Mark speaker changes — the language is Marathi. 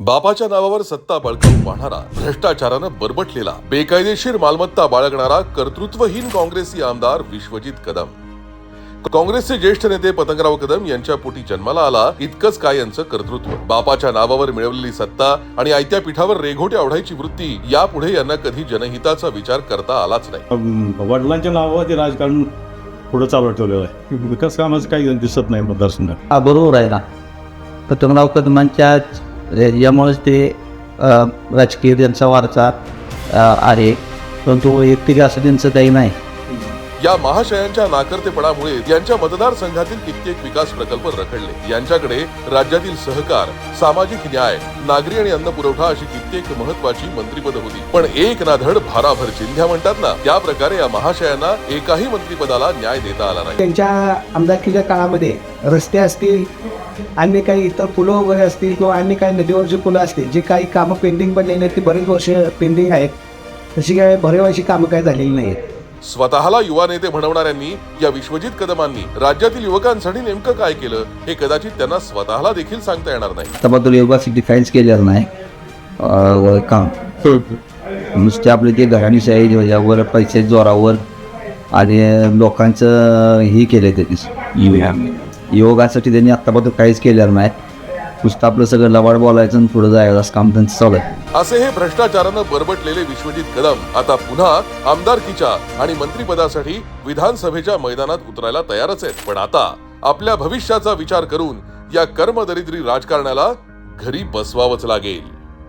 Speaker 1: बापाच्या नावावर सत्ता बळकावून पाहणारा, भ्रष्टाचारानं बरबटलेला, बेकायदेशीर मालमत्ता बाळगणारा कर्तृत्वहीन काँग्रेसी आमदार विश्वजित कदम. काँग्रेसचे ज्येष्ठ नेते पतंगराव कदम यांच्या पोटी जन्माला आला इतकंच काय यांचं कर्तृत्व. बापाच्या नावावर मिळवलेली सत्ता आणि आयत्या पिठावर रेघोट्या ओढायची वृत्ती यापुढे यांना कधी जनहिताचा विचार करता आलाच नाही.
Speaker 2: वडिलांच्या नावावर ते राजकारण पुढे चालू ठेवलेलं आहे. विकास कामाचं काही दिसत नाही मतदारसंघात.
Speaker 3: हा बरोबर आहे ना. पतंगराव कदमांच्या यामुळेच ते राजकीय त्यांचा वारसा आहे, परंतु व्यक्तिगत असं त्यांचं काही नाही.
Speaker 1: या महाशयांच्या नाकर्तेपणामुळे यांच्या मतदारसंघातील कित्येक विकास प्रकल्प रखडले. यांच्याकडे राज्यातील सहकार, सामाजिक न्याय, नागरी आणि अन्न पुरवठा अशी कित्येक महत्वाची मंत्रिपद होती. पण एक ना धड भाराभर चिंध्या म्हणतात ना, त्या प्रकारे या महाशयांना एकाही मंत्रिपदाला न्याय देता आला नाही.
Speaker 4: त्यांच्या आमदारकीच्या काळामध्ये रस्ते असतील, अन्य काही इतर पुलं वगैरे असतील किंवा अन्य काही नदीवरची पुलं असतील, जे काही कामं पेंडिंग पडलेली आहेत ती बरेच वर्ष पेंडिंग आहेत. तशी काय भरेवायची कामं काय झालेली नाहीत.
Speaker 1: स्वतःला युवा नेते म्हणवणाऱ्यांनी, या विश्वजित कदमांनी राज्यातील युवकांसाठी नेमकं काय केलं हे कदाचित त्यांना स्वतःला देखील सांगता येणार नाही.
Speaker 3: त्याबद्दल योगासाठी काहीच केलेलं नाही. काम नुसते आपले ते घराणीशाही यावर पैसे जोरावर आणि लोकांचं ही केलं त्यांनी. योगासाठी त्यांनी आत्ताबद्दल काहीच केलेलं नाही. नुसतं आपलं सगळं लवाड बोलायचं आणि पुढे जायचं असं काम त्यांचं चालू आहे.
Speaker 1: असे हे भ्रष्टाचारानं बरबटलेले विश्वजित कदम आता पुन्हा आमदारकीच्या आणि मंत्रिपदासाठी विधानसभेच्या मैदानात उतरायला तयारच आहेत. पण आता आपल्या भविष्याचा विचार करून या कर्मदरिद्री राजकारणाला घरी बसवावंच लागेल.